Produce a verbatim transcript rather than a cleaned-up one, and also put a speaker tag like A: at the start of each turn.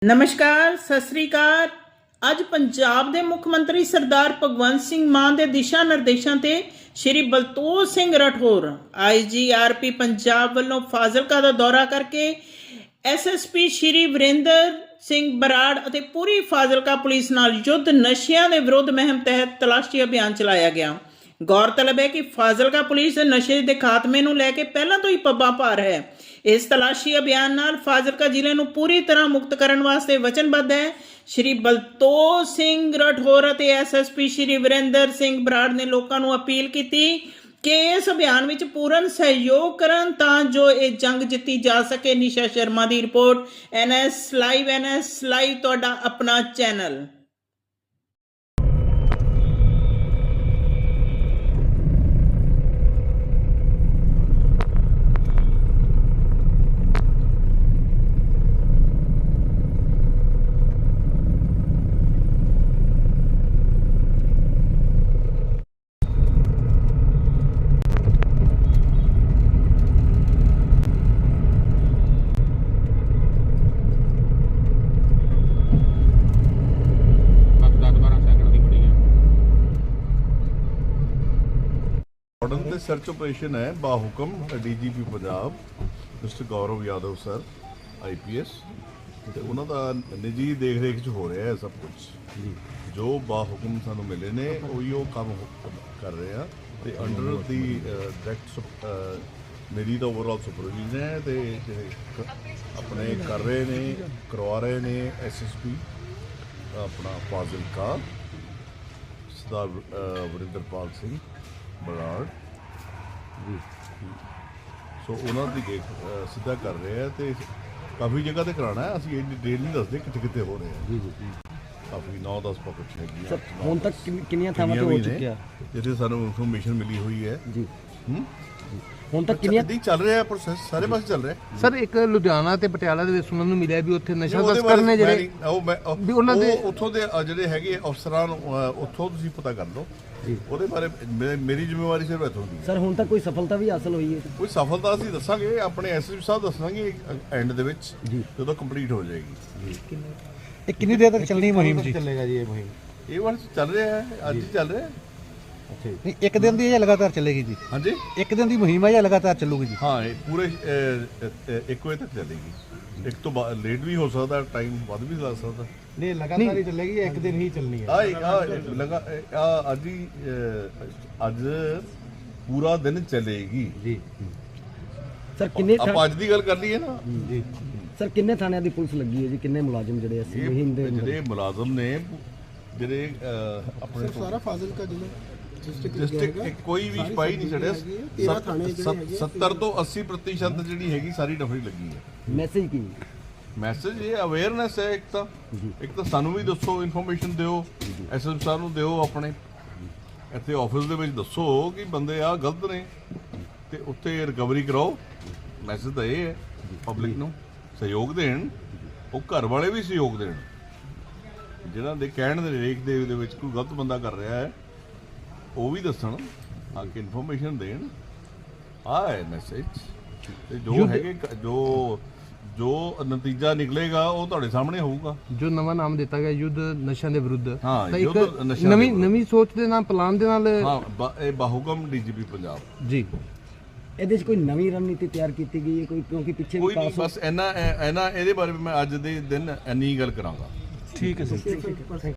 A: नमस्कार सत श्री अकाल। ਅੱਜ ਪੰਜਾਬ ਦੇ ਮੁੱਖ ਮੰਤਰੀ ਸਰਦਾਰ ਭਗਵੰਤ ਸਿੰਘ ਮਾਨ ਦੇ ਦਿਸ਼ਾ ਨਿਰਦੇਸ਼ਾਂ ਤੇ ਸ਼੍ਰੀ ਬਲਤੋਜ ਸਿੰਘ ਰਾਠੌਰ ਆਈ ਜੀ ਆਰ ਪੀ ਪੰਜਾਬ ਵੱਲੋਂ ਫਾਜ਼ਿਲਕਾ ਦਾ ਦੌਰਾ ਕਰਕੇ S S P Shri Varinder Singh Brar ਅਤੇ ਪੂਰੀ ਫਾਜ਼ਿਲਕਾ ਪੁਲਿਸ ਨਾਲ ਯੁੱਧ ਨਸ਼ਿਆਂ ਦੇ ਵਿਰੁੱਧ ਮੁਹਿੰਮ ਤਹਿਤ ਤਲਾਸ਼ੀ ਅਭਿਆਨ ਚਲਾਇਆ ਗਿਆ। गौरतलब है कि फाजिलका पुलिस नशे के खात्मे नूं लैके पहलां तो ही पब्बां भार है। इस तलाशी अभियान नाल फाजिलका जिले नूं पूरी तरह मुक्त करन वास्ते वचनबद्ध है। श्री बलतोज सिंह राठौर अते S S P Shri Varinder Singh Brar ने लोकां नूं अपील कीती कि इस अभियान विच पूर्ण सहयोग करन तां जो ये जंग जित्ती जा सके। निशा शर्मा की report, N S live. N S live तुहाडा अपना चैनल।
B: ऑर्डर से सर्च ऑपरेशन है बाहुकम D G P Punjab mister Gaurav Yadav sir I P S ਤੇ ਉਹਨਾਂ ਦਾ ਨਿੱਜੀ ਦੇਖ ਰੇਖ 'ਚ ਹੋ ਰਿਹਾ ਹੈ ਸਭ ਕੁਝ ਜੋ ਬਾਹੁਕਮ ਸਾਨੂੰ ਮਿਲੇ ਨੇ ਉਹੀ ਉਹ ਕੰਮ ਕਰ ਰਹੇ ਆ ਤੇ ਅੰਡਰ ਦੀ ਡਾਇਰੈਕਟ ਮੇਰੀ ਤਾਂ ਓਵਰਆਲ ਸੁਪਰਵਾਈਜ਼ਰ ਹੈ ਤੇ ਆਪਣੇ ਕਰ ਰਹੇ ਨੇ ਕਰਵਾ ਰਹੇ ਨੇ ਐਸ ਐਸ ਪੀ ਆਪਣਾ ਫਾਜ਼ਿਲਕਾ ਸਰਦਾਰ ਵਰਿੰਦਰਪਾਲ ਸਿੰਘ ਬਰਾੜ ਸੋ ਉਹਨਾਂ ਦੀ ਦੇਖ ਸਿੱਧਾ ਕਰ ਰਹੇ ਆ ਤੇ ਕਾਫੀ ਜਗ੍ਹਾ ਤੇ ਕਰਾਉਣਾ ਹੈ। ਅਸੀਂ ਇਹ ਡਿਟੇਲ ਨਹੀਂ ਦੱਸਦੇ ਕਿੱਥੇ ਕਿੱਥੇ ਹੋ ਰਹੇ ਆ ਜੀ ਜੀ ਕਾਫੀ ਨੌ ਦਸ ਪਾਕਟ ਹੈਗੀਆਂ
C: ਹੁਣ ਤੱਕ ਕਿੰਨੀਆਂ ਥਾਵਾਂ ਤੇ ਹੋ ਚੁੱਕਿਆ
B: ਜਿੱਥੇ ਸਾਨੂੰ ਇਨਫੋਰਮੇਸ਼ਨ ਮਿਲੀ ਹੋਈ ਹੈ ਜੀ ਹੂੰ
C: ਹੁਣ ਤੱਕ ਕਿੰਨੀਆਂ
B: ਦੀ ਚੱਲ ਰਿਹਾ ਪ੍ਰੋਸੈਸ ਸਾਰੇ ਪਾਸੇ ਚੱਲ ਰਿਹਾ
D: ਸਰ। ਇੱਕ ਲੁਧਿਆਣਾ ਤੇ ਪਟਿਆਲਾ ਦੇ ਵਿੱਚ ਸੁਣਨ ਨੂੰ ਮਿਲਿਆ ਵੀ ਉੱਥੇ ਨਸ਼ਾ ਤਸਕਰ ਨੇ ਜਿਹੜੇ
B: ਉਹ ਮੈਂ
D: ਵੀ ਉਹਨਾਂ ਦੇ
B: ਉੱਥੋਂ ਦੇ ਜਿਹੜੇ ਹੈਗੇ ਅਫਸਰਾਂ ਨੂੰ ਉੱਥੋਂ ਤੁਸੀਂ ਪਤਾ ਕਰ ਲਓ ਉਹਦੇ ਬਾਰੇ ਮੇਰੀ ਜ਼ਿੰਮੇਵਾਰੀ ਸਿਰਫ ਇੱਥੋਂ ਦੀ
C: ਸਰ। ਹੁਣ ਤੱਕ ਕੋਈ ਸਫਲਤਾ ਵੀ ਹਾਸਲ ਹੋਈ ਹੈ?
B: ਕੋਈ ਸਫਲਤਾ ਅਸੀਂ ਦੱਸਾਂਗੇ ਆਪਣੇ ਐਸ ਐਸ ਸਾਹਿਬ ਦੱਸਾਂਗੇ ਐਂਡ ਦੇ ਵਿੱਚ ਜਦੋਂ ਕੰਪਲੀਟ ਹੋ ਜਾਏਗੀ ਜੀ।
D: ਇਹ ਕਿੰਨੀ ਦੇਰ ਤੱਕ ਚੱਲਣੀ ਮੁਹਿੰਮ ਜੀ? ਚੱਲੇਗਾ ਜੀ ਇਹ ਮੁਹਿੰਮ?
B: ਇਹ ਵਾਰ ਚੱਲ ਰਿਹਾ ਹੈ, ਅੱਜ ਹੀ ਚੱਲ ਰਿਹਾ ਹੈ।
D: ਅੱਛਾ ਨਹੀਂ, ਇੱਕ ਦਿਨ ਦੀ ਜਾਂ ਲਗਾਤਾਰ ਚੱਲੇਗੀ ਜੀ?
B: ਹਾਂਜੀ,
D: ਇੱਕ ਦਿਨ ਦੀ ਮੁਹਿੰਮ ਹੈ ਜਾਂ ਲਗਾਤਾਰ ਚੱਲੂਗੀ ਜੀ?
B: ਹਾਂ, ਇਹ ਪੂਰੇ ਇੱਕ ਵਜੇ ਤੱਕ ਚੱਲੇਗੀ। ਇੱਕ ਤੋਂ ਲੇਟ ਵੀ ਹੋ ਸਕਦਾ, ਟਾਈਮ ਵੱਧ ਵੀ ਲੱਗ ਸਕਦਾ।
D: ਨਹੀਂ, ਲਗਾਤਾਰ ਹੀ ਚੱਲੇਗੀ, ਇੱਕ ਦਿਨ ਹੀ ਚੱਲਣੀ ਹੈ?
B: ਆ ਲਗਾ ਆ ਅੱਜ ਹੀ ਅੱਜ ਪੂਰਾ ਦਿਨ ਚੱਲੇਗੀ ਜੀ।
C: ਸਰ ਕਿੰਨੇ
B: ਆਪਾਂ ਅੱਜ ਦੀ ਗੱਲ ਕਰ ਲਈਏ ਨਾ
C: ਜੀ। ਸਰ ਕਿੰਨੇ ਥਾਣਿਆਂ ਦੀ ਪੁਲਿਸ ਲੱਗੀ ਹੈ ਜੀ? ਕਿੰਨੇ ਮੁਲਾਜ਼ਮ ਜਿਹੜੇ ਅਸੀਂ ਮੁਹਿੰਮ ਦੇ
B: ਜਿਹੜੇ ਮੁਲਾਜ਼ਮ ਨੇ ਜਿਹੜੇ ਆਪਣੇ
E: ਸਾਰਾ ਫਾਜ਼ਿਲਕਾ ਜ਼ਿਲ੍ਹਾ
B: ਡਿਸਟ੍ਰਿਕਟ ਕੋਈ ਵੀ ਸਿਪਾਹੀ ਨਹੀਂ ਛੱਡਿਆ। ਸੱਤਰ ਤੋਂ ਅੱਸੀ ਪ੍ਰਤੀਸ਼ਤ ਜਿਹੜੀ ਹੈਗੀ ਸਾਰੀ ਡਫਰੀ ਲੱਗੀ ਹੈ।
C: ਮੈਸੇਜ ਕੀ?
B: ਮੈਸੇਜ ਇਹ ਅਵੇਅਰਨੈਸ ਹੈ। ਇੱਕ ਤਾਂ ਇੱਕ ਤਾਂ ਸਾਨੂੰ ਵੀ ਦੱਸੋ, ਇਨਫੋਰਮੇਸ਼ਨ ਦਿਓ, ਐਸ ਐਸ ਸਾਹਿਬ ਨੂੰ ਦਿਓ, ਆਪਣੇ ਇੱਥੇ ਆਫਿਸ ਦੇ ਵਿੱਚ ਦੱਸੋ ਕਿ ਬੰਦੇ ਆ ਗਲਤ ਨੇ ਤੇ ਉੱਥੇ ਰਿਕਵਰੀ ਕਰਾਓ। ਮੈਸੇਜ ਤਾਂ ਇਹ ਹੈ ਪਬਲਿਕ ਨੂੰ ਸਹਿਯੋਗ ਦੇਣ, ਉਹ ਘਰ ਵਾਲੇ ਵੀ ਸਹਿਯੋਗ ਦੇਣ। ਜਿਹਨਾਂ ਦੇ ਕਹਿਣ ਦੇ ਰੇਖ ਦੇ ਵਿੱਚ ਕੋਈ ਗਲਤ ਬੰਦਾ ਕਰ ਰਿਹਾ ਹੈ ਉਹ ਵੀ ਦੱਸਣ, ਆ ਕੇ ਇਨਫੋਰਮੇਸ਼ਨ ਦੇਣ। ਆ ਹੈ ਮੈਸੇਜ। ਤੇ ਜੋ ਹੈਗੇ ਜੋ ਜੋ ਨਤੀਜਾ ਨਿਕਲੇਗਾ ਉਹ ਤੁਹਾਡੇ ਸਾਹਮਣੇ ਹੋਊਗਾ।
D: ਜੋ ਨਵਾਂ ਨਾਮ ਦਿੱਤਾ ਗਿਆ ਯੁੱਧ ਨਸ਼ਿਆਂ ਦੇ ਵਿਰੁੱਧ,
B: ਹਾਂ,
D: ਤਾਂ
B: ਯੁੱਧ
D: ਇੱਕ
B: ਨਸ਼ਿਆਂ
D: ਨਵੀਂ ਨਵੀਂ ਸੋਚ ਦੇ ਨਾਲ, ਪਲਾਨ ਦੇ ਨਾਲ,
B: ਹਾਂ, ਇਹ ਬਾਹੁਕਮ ਡੀ ਜੀ ਪੀ ਪੰਜਾਬ
D: ਜੀ।
C: ਇਹਦੇ 'ਚ ਕੋਈ ਨਵੀਂ ਰਣਨੀਤੀ ਤਿਆਰ ਕੀਤੀ ਗਈ ਹੈ ਕੋਈ? ਕਿਉਂਕਿ ਪਿੱਛੇ
B: ਕੋਈ ਨਹੀਂ, ਬਸ ਇੰਨਾ ਇੰਨਾ ਇਹਦੇ ਬਾਰੇ ਮੈਂ ਅੱਜ ਦੇ ਦਿਨ ਇੰਨੀ ਗੱਲ ਕਰਾਂਗਾ।
D: ਠੀਕ ਹੈ ਸਰ।